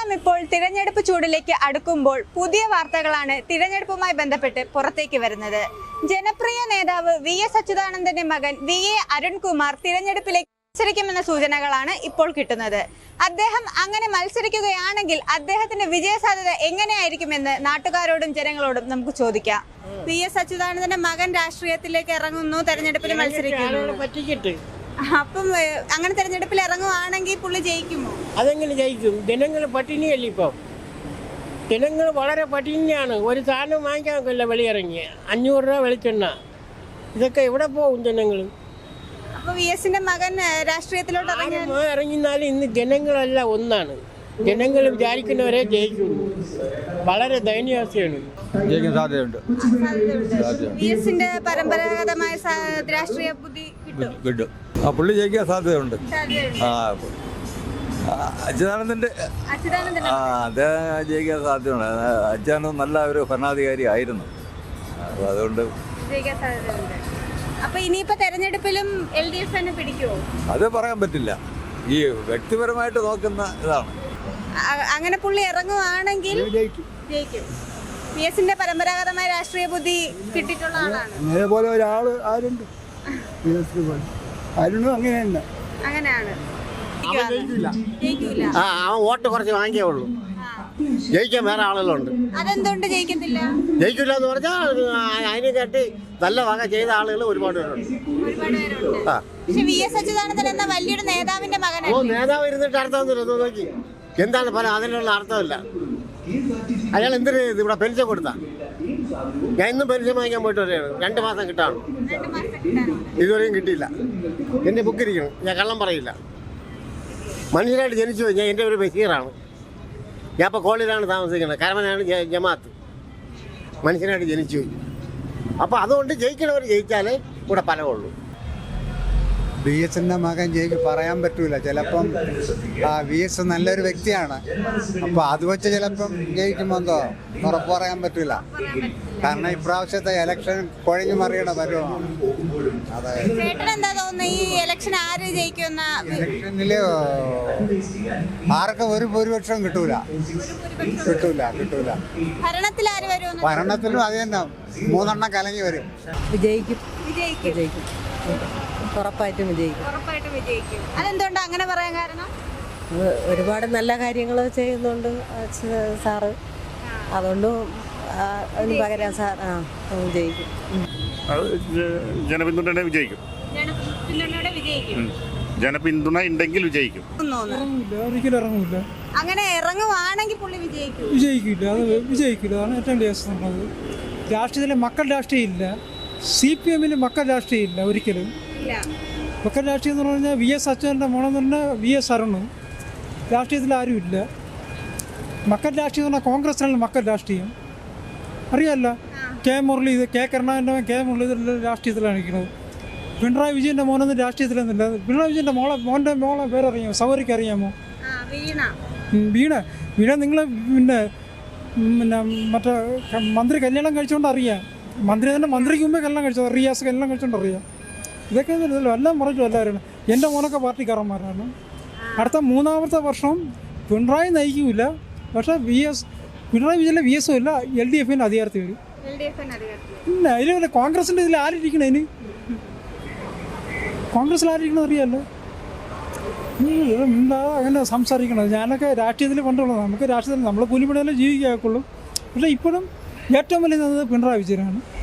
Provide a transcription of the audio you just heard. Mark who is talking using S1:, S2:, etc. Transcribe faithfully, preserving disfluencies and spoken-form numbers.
S1: കേരളം ഇപ്പോൾ തിരഞ്ഞെടുപ്പ് ചൂടിലേക്ക് അടുക്കുമ്പോൾ പുതിയ വാർത്തകളാണ് തിരഞ്ഞെടുപ്പുമായി ബന്ധപ്പെട്ട് പുറത്തേക്ക് വരുന്നത്. ജനപ്രിയ നേതാവ് വി എസ് അച്യുതാനന്ദന്റെ മകൻ വി എ അരുൺകുമാർ തിരഞ്ഞെടുപ്പിലേക്ക് മത്സരിക്കുമെന്ന സൂചനകളാണ് ഇപ്പോൾ കിട്ടുന്നത്. അദ്ദേഹം അങ്ങനെ മത്സരിക്കുകയാണെങ്കിൽ അദ്ദേഹത്തിന്റെ വിജയസാധ്യത എങ്ങനെയായിരിക്കുമെന്ന് നാട്ടുകാരോടും ജനങ്ങളോടും നമുക്ക് ചോദിക്കാം. വി എസ് അച്യുതാനന്ദന്റെ മകൻ രാഷ്ട്രീയത്തിലേക്ക് ഇറങ്ങുന്നു, തെരഞ്ഞെടുപ്പിൽ മത്സരിക്കുന്നു. അപ്പം അങ്ങനെ തെരഞ്ഞെടുപ്പിൽ ഇറങ്ങുവാണെങ്കിൽ പുള്ളി ജയിക്കുമോ?
S2: അതെങ്ങനെ ജയിക്കും? ജനങ്ങൾ പട്ടിണിയല്ലേ ഇപ്പം. ജനങ്ങൾ വളരെ പട്ടിണിയാണ്. ഒരു സാധനം വാങ്ങിക്കാൻ നോക്കില്ല വെളിയിറങ്ങി. അഞ്ഞൂറ് രൂപ വെളിച്ചെണ്ണ, ഇതൊക്കെ എവിടെ പോകും ജനങ്ങൾ?
S1: അപ്പൊ വി എസിന്റെ മകൻ രാഷ്ട്രീയത്തിലോട്ട്
S2: ഇറങ്ങിന്നാലും ഇന്ന് ജനങ്ങളല്ല ഒന്നാണ്. ജനങ്ങൾ വിചാരിക്കുന്നവരെ ജയിക്കുന്നു. വളരെ ദയനീയാവസ്ഥയാണ്.
S3: ജയിക്കാൻ സാധ്യതയുണ്ട്.
S1: വി എസിന്റെ പരമ്പരാഗതമായ രാഷ്ട്രീയ ബുദ്ധി
S3: കിട്ടും. ആ പുള്ളി ജയിക്കാൻ സാധ്യതയുണ്ട്. ആ അച്യുതാനന്ദന്റെ ആ അദ്ദേഹം ജയിക്കാൻ സാധ്യതയുണ്ട്. അച്യുതാനന്ദൻ നല്ല ഒരു ഭരണാധികാരി ആയിരുന്നു. അതുകൊണ്ട്
S1: അപ്പൊ ഇനിയിപ്പോ തെരഞ്ഞെടുപ്പിലും എൽ ഡി എഫ് തന്നെ പിടിക്കുമോ?
S3: അത് പറയാൻ പറ്റില്ല. ഈ വ്യക്തിപരമായിട്ട് നോക്കുന്ന ഇതാണ്.
S1: അങ്ങനെ പുള്ളി ഇറങ്ങുവാണെങ്കിൽ ജയിക്കും. വി എസിന്റെ പരമ്പരാഗതമായ രാഷ്ട്രീയ ബുദ്ധി കിട്ടിയിട്ടുള്ള ആളാണ്.
S4: അതേപോലെ ഒരാള് ആരുണ്ട് ആരുണ്ടോ? അങ്ങനെയുണ്ട്.
S1: അങ്ങനെയാണ്.
S5: ആ അവൻ വോട്ട് കുറച്ച് വാങ്ങിയേ ഉള്ളൂ. ജയിക്കാൻ വേറെ ആളുകളുണ്ട്.
S1: അതെന്തുകൊണ്ട് ജയിക്കത്തില്ല?
S5: ജയിക്കില്ല എന്ന് പറഞ്ഞാൽ അതിനെ കേട്ട് നല്ല വക ചെയ്ത ആളുകൾ ഒരുപാട് പേരുണ്ട്.
S1: പക്ഷെ വി എസ് അച്യുതാനന്ദൻ എന്ന വലിയൊരു നേതാവിന്റെ മകനാണ്.
S5: ഓ നേതാവ് ഇരുന്നിട്ട് അർത്ഥമൊന്നുമില്ല. നോക്കി എന്താണ് ഫലം? അതിനുള്ള അർത്ഥമില്ല. അയാൾ എന്തിനു ഇവിടെ പെൻഷൻ കൊടുത്താ? ഞാൻ ഇന്നും പെൻഷൻ വാങ്ങിക്കാൻ പോയിട്ട് വരെയാണ്. രണ്ട് മാസം കിട്ടാണ്. ഇതുവരെയും കിട്ടിയില്ല. എൻ്റെ ബുക്ക് ഇരിക്കണം. ഞാൻ കള്ളം പറയില്ല. മനുഷ്യരായിട്ട് ജനിച്ചു പോയി. ഞാൻ എൻ്റെ ഒരു ബഷീറാണ്. ഞാൻ ഇപ്പോൾ കോളിലാണ് താമസിക്കുന്നത്. കരമനാണ് ജമാഅത്ത്. മനുഷ്യനായിട്ട് ജനിച്ചു പോയി. അപ്പോൾ അതുകൊണ്ട് ജയിക്കണവർ ജയിച്ചാലേ ഇവിടെ ഫലമുള്ളൂ.
S4: വി എസിന്റെ മകൻ ജയിക്കും പറയാൻ പറ്റൂല. ചിലപ്പം വി എസ് നല്ലൊരു വ്യക്തിയാണ്. അപ്പൊ അത് വെച്ച് ചിലപ്പം ജയിക്കുമെന്തോ ഉറപ്പ് പറയാൻ പറ്റൂല. കാരണം ഇപ്രാവശ്യത്തെ ഇലക്ഷൻ കൊഴഞ്ഞു മറിയണ പരുവമാണ്. അതെ.
S1: എന്താ തോന്നുന്നു ഈ ഇലക്ഷൻ ആര് ജയിക്കുന്ന?
S4: ഇലക്ഷനില് ആർക്കും ഒരു ഭൂരിപക്ഷം കിട്ടൂല കിട്ടൂല കിട്ടൂല
S1: ഭരണത്തിൽ ആര് വരും?
S4: ഭരണത്തിലും അത് തന്നെ മൂന്നെണ്ണം കലങ്ങി വരും.
S6: വിജയിക്കും വിജയിക്കും ഉറപ്പായിട്ടും വിജയിക്കും.
S1: ഉറപ്പായിട്ടും വിജയിക്കും. അതെന്തുകൊണ്ട് അങ്ങനെ പറയാൻ കാരണം?
S6: ഒരുപാട് നല്ല കാര്യങ്ങൾ ചെയ്യുന്നുണ്ട് സാറ്. അതുകൊണ്ട് അതിന് പകരം സാർ ആ വിജയിക്കും.
S7: ജനപിന്തുണ വിജയിക്കും.
S1: ജനപിന്തുണയോടെ വിജയിക്കും.
S7: ജനപിന്തുണ ഉണ്ടെങ്കിൽ വിജയിക്കും.
S8: ഒരിക്കലും ഇറങ്ങൂല.
S1: അങ്ങനെ ഇറങ്ങുവാണെങ്കിൽ പുള്ളി വിജയിക്കും.
S8: വിജയിക്കില്ല. അത് വിജയിക്കില്ല. അതാണ് ഏറ്റവും ദേശത്തുള്ളത്. രാഷ്ട്രീയത്തിലെ മക്കൾ രാഷ്ട്രീയം ഇല്ല. സി പി എമ്മിൽ മക്കൾ രാഷ്ട്രീയം ഇല്ല ഒരിക്കലും. മക്കൾ രാഷ്ട്രീയം എന്ന് പറഞ്ഞാൽ വി എസ് അച്യുതൻ്റെ മോണെന്ന് പറഞ്ഞാൽ വി എസ് അരുണും രാഷ്ട്രീയത്തിൽ ആരും ഇല്ല. മക്കൾ രാഷ്ട്രീയം എന്ന് പറഞ്ഞാൽ കോൺഗ്രസിനാണ് മക്കൾ രാഷ്ട്രീയം. അറിയാമല്ലോ. കെ മുരളി കെ കരുണാകരൻ്റെ കെ മുരളീധരൻ രാഷ്ട്രീയത്തിലാണ് ഇരിക്കുന്നത്. പിണറായി വിജയൻ്റെ മോനൊന്നും രാഷ്ട്രീയത്തിലൊന്നുമില്ല. പിണറായി വിജയൻ്റെ മോളെ മോൻ്റെ മോളെ പേരറിയാമോ? സൗകര്യക്ക് അറിയാമോ? വീണ വീണ നിങ്ങൾ പിന്നെ പിന്നെ മറ്റേ മന്ത്രി കല്യാണം കഴിച്ചുകൊണ്ട് അറിയാം. മന്ത്രി തന്നെ മന്ത്രിക്ക് മുമ്പേ കല്യാണം കഴിച്ചത്. റിയാസ് കല്യാണം കഴിച്ചുകൊണ്ട് അറിയാം. ഇതൊക്കെ എല്ലാം പറഞ്ഞു എല്ലാവരും. എൻ്റെ മോനൊക്കെ പാർട്ടിക്കാരന്മാരാണ്. അടുത്ത മൂന്നാമത്തെ വർഷം പിണറായി നയിക്കില്ല. പക്ഷേ വി എസ് പിണറായി വിജയൻ്റെ വി എസും ഇല്ല. എൽ ഡി എഫിന് അധികാരത്തിൽ വരും. ഇല്ല അതിൽ കോൺഗ്രസിൻ്റെ ഇതിൽ ആരിരിക്കണം? അതിന് കോൺഗ്രസ്സിൽ ആരിരിക്കണം അറിയാമല്ലോ. എന്താ അങ്ങനെ സംസാരിക്കണത്? ഞാനൊക്കെ രാഷ്ട്രീയത്തിൽ പണ്ടുള്ളത്. നമുക്ക് രാഷ്ട്രീയത്തിൽ നമ്മൾ കൂലിപ്പണിയാലേ ജീവിക്കാക്കുള്ളൂ. പക്ഷേ ഇപ്പോഴും ഏറ്റവും വലിയ പിണറായി വിജയനാണ്.